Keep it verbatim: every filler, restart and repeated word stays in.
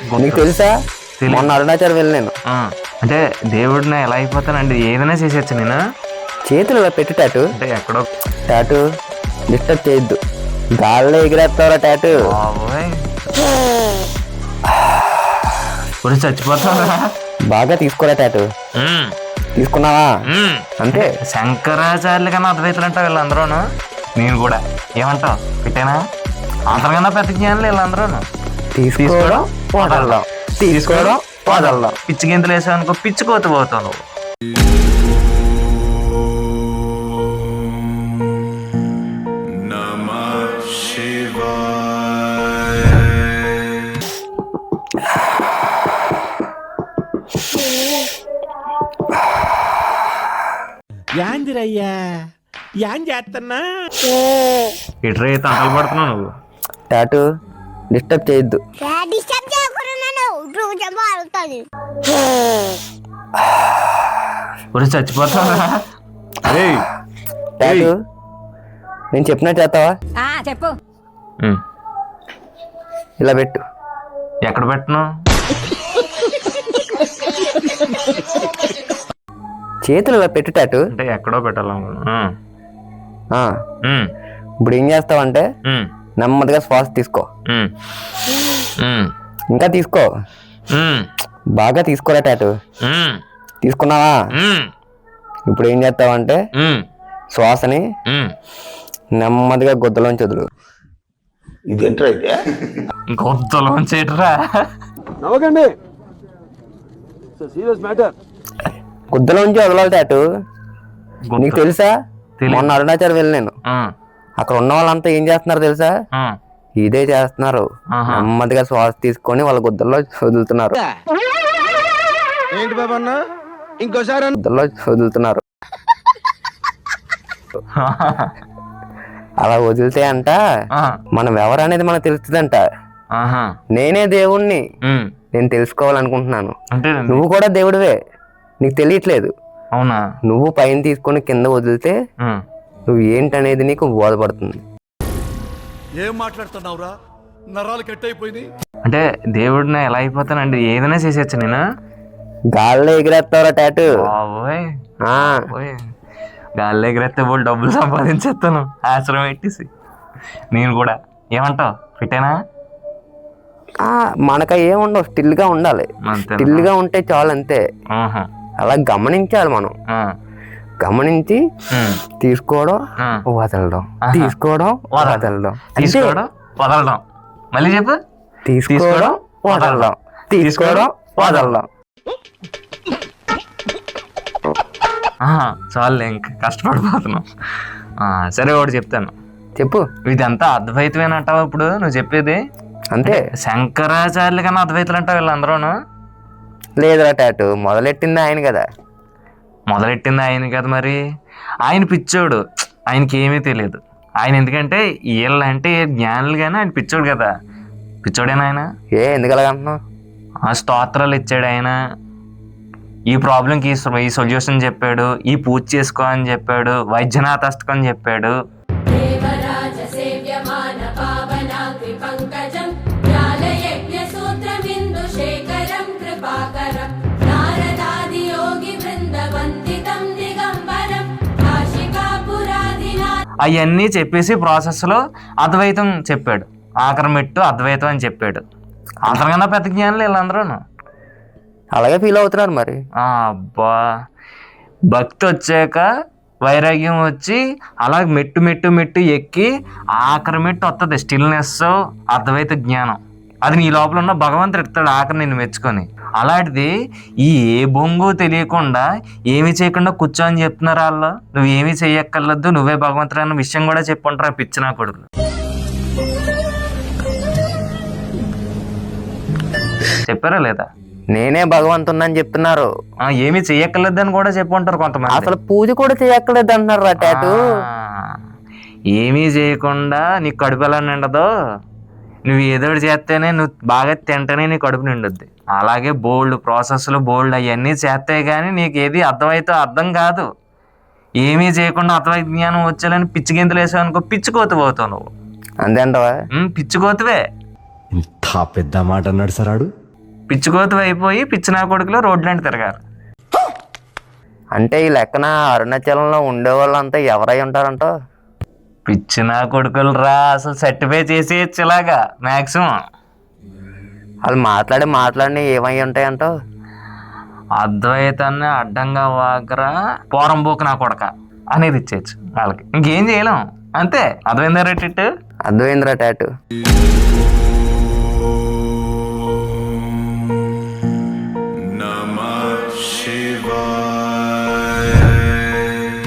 నీకు తెలుసా మొన్న అరుణాచల్ వెళ్ళాను. అంటే దేవుడిని ఎలా అయిపోతానండి, ఏదైనా చేసేచ్చు నేను. చేతులు ఇలా పెట్టి టాటు అంటే ఎక్కడో టాటు డిస్టర్బ్ చేయొద్దు, గాల్లో ఎగిరేస్తావరా టాటు. ఇప్పుడు చచ్చిపోతావా? బాగా తీసుకోరా టాటు. తీసుకున్నావా? అంతే. శంకరాచార్యులు కన్నా అద్వైతులు అంటావు వీళ్ళందరూను. నేను కూడా ఏమంటావు పెట్టానా? అంతకన్నా పెద్ద జ్ఞానులు వీళ్ళందరూను. తీసుకోవడం వదలడం, తీసుకోవడం వదలడం. పిచ్చి గింతలు వేసావు అనుకో, పిచ్చుకోత పోతావు నువ్వు. యాందిరయ్యా యాన్ చేస్తున్నా ఇట్రే తంటలు పడుతున్నావు నువ్వు. టాటు డిస్టర్బ్ చేయొద్దు. ఇప్పుడు చచ్చిపోతావా? టాటు నేను చెప్పినట్టు చేస్తావా? చెప్పు. ఇలా పెట్టు. ఎక్కడ పెట్టను? చేతులు ఇలా పెట్టు టాటు. అంటే ఎక్కడో పెట్టాలనుకున్నా. ఇప్పుడు ఏం చేస్తావంటే నెమ్మదిగా శ్వాస తీసుకో, ఇంకా తీసుకో, బాగా తీసుకోరా టాటు. తీసుకున్నావా? ఇప్పుడు ఏం చేస్తావంటే శ్వాసని నెమ్మదిగా గొద్దలోంచి వదులు. ఇదేంట్రా అయితే? గొద్దలోంచి ఎట్రా? నవ్వకండి, సీరియస్ మ్యాటర్. గుద్దలోంచి వదలాలి టాటు. నీకు తెలుసా మొన్న అరుణాచల్ వెళ్ళాను. అక్కడ ఉన్న వాళ్ళంతా ఏం చేస్తున్నారు తెలుసా? ఇదే చేస్తున్నారు. నెమ్మదిగా శ్వాస తీసుకొని వాళ్ళ గుద్దల్లో వదులుతున్నారు. ఏంటి బాబా ఇంకోసారి గుద్దల్లో వదులుతున్నారు. అలా వదిలితే అంట మనం ఎవరు అనేది మనకు తెలుస్తుందంట. నేనే దేవుణ్ణి నేను తెలుసుకోవాలనుకుంటున్నాను. నువ్వు కూడా దేవుడివే, నీకు తెలియట్లేదు. అవునా? నువ్వు పైన తీసుకొని కింద వదిలితే నువ్వు ఏంటనేది నీకు బోధపడుతుంది. ఏం మాట్లాడుతున్నావురా? నరాలు కట్ అయిపోయింది. అంటే దేవుడిని ఎలా అయిపోతానండి, ఏదైనా చేసేచ్చు నేను. గాల్లో ఎగిరేస్తావరా టాటు. గాల్లో ఎగిరేస్తే వాళ్ళు డబ్బులు సంపాదించేస్తాను ఆశ్రమం పెట్టేసి. నేను కూడా ఏమంటావు పెట్టానా? మనక ఏముండవు, స్టిల్ గా ఉండాలి. స్టిల్ గా ఉంటే చాలు, అంతే. అలా గమనించాలి మనం. గమనించి తీసుకోవడం వదలడం, తీసుకోవడం వదలడం, తీసుకోవడం వదలడం. మళ్ళీ చెప్పు. తీసుకోవడం వదలడం, తీసుకోవడం వదలడం. చాలు, ఇంకా కష్టపడిపోతున్నాం. సరే ఒకటి చెప్తాను, చెప్పు. ఇదంతా అద్వైతమేనంటావా ఇప్పుడు నువ్వు చెప్పేది? అంతే. శంకరాచార్యులు కన్నా అద్వైతులు అంటావు వీళ్ళందరూను. లేదురా టాటు, మొదలెట్టింది ఆయన కదా. మొదలెట్టింది ఆయన కదా, మరి ఆయన పిచ్చోడు, ఆయనకి ఏమీ తెలియదు. ఆయన ఎందుకంటే వీళ్ళంటే జ్ఞానులు కానీ ఆయన పిచ్చోడు కదా. పిచ్చోడేనా ఆయన? ఏ ఎందుకు అలాగంటున్నావు? ఆ స్తోత్రాలు ఇచ్చాడు ఆయన, ఈ ప్రాబ్లంకి ఈ సొల్యూషన్ చెప్పాడు, ఈ పూజ చేసుకో అని చెప్పాడు, వైద్యనాథ అష్టకం అని చెప్పాడు. అవన్నీ చెప్పేసి ప్రాసెస్లో అద్వైతం చెప్పాడు. ఆఖరి మెట్టు అద్వైతం అని చెప్పాడు. అంతకన్నా పెద్ద జ్ఞానులు వీళ్ళందరూ. అలాగే ఫీల్ అవుతున్నారు మరి. అబ్బా, భక్తి వచ్చాక వైరాగ్యం వచ్చి అలా మెట్టు మెట్టు మెట్టు ఎక్కి ఆఖరి మెట్టు వస్తుంది స్టిల్నెస్, అద్వైత జ్ఞానం. అది నీ లోపల ఉన్న భగవంతుడు ఎడతాడు ఆఖరి నిన్ను మెచ్చుకొని. అలాంటిది ఈ ఏ బొంగు తెలియకుండా ఏమి చేయకుండా కూర్చోని చెప్తున్నారు వాళ్ళు. నువ్వు ఏమీ చెయ్యక్కర్లేదు, నువ్వే భగవంతుడు అన్న విషయం కూడా చెప్పుంటారు ఆ పిచ్చిన కొడుకులు. చెప్పారా లేదా? నేనే భగవంతుని చెప్తున్నారు. ఏమి చెయ్యక్కర్లేదు అని కూడా చెప్పుంటారు కొంతమంది. అసలు పూజ కూడా చేయక్కర్లేదు అంటున్నారు రా టాటు. ఏమీ చేయకుండా నీకు కడుపు ఎలా నిండదో, నువ్వు ఏదో చేస్తేనే, నువ్వు బాగా తింటేనే నీ కడుపు నిండుద్ది. అలాగే బోల్డ్ ప్రాసెస్లు బోల్డ్ అవన్నీ చేస్తే కానీ నీకు ఏది అర్థమైతే అర్థం కాదు. ఏమీ చేయకుండా అద్వైత జ్ఞానం వచ్చేయాలని పిచ్చి గింతలు వేసావు అనుకో, పిచ్చుకోతు పోతావు నువ్వు. అంతే అంటవా? పిచ్చుకోతువే. ఇంత పెద్ద మాట అన్నాడు సరాడు. పిచ్చికోతు అయిపోయి పిచ్చి నా కొడుకులో రోడ్లంటే తిరగారు. అంటే ఈ లెక్కన అరుణాచలంలో ఉండే వాళ్ళంతా ఎవరై ఉంటారంట? పిచ్చి నా కొడుకులు రా, అసలు సర్టిఫై చేసేయచ్చు ఇలాగా మ్యాక్సిమం. వాళ్ళు మాట్లాడి మాట్లాడి ఏమై ఉంటాయంట? అద్వైతాన్ని అడ్డంగా వాకరా పోరంబోకు నా కొడక అనేది ఇచ్చేయచ్చు వాళ్ళకి. ఇంకేం చేయలేం, అంతే. అద్వైందా రేట్ అర్థమైందిరా టాటు.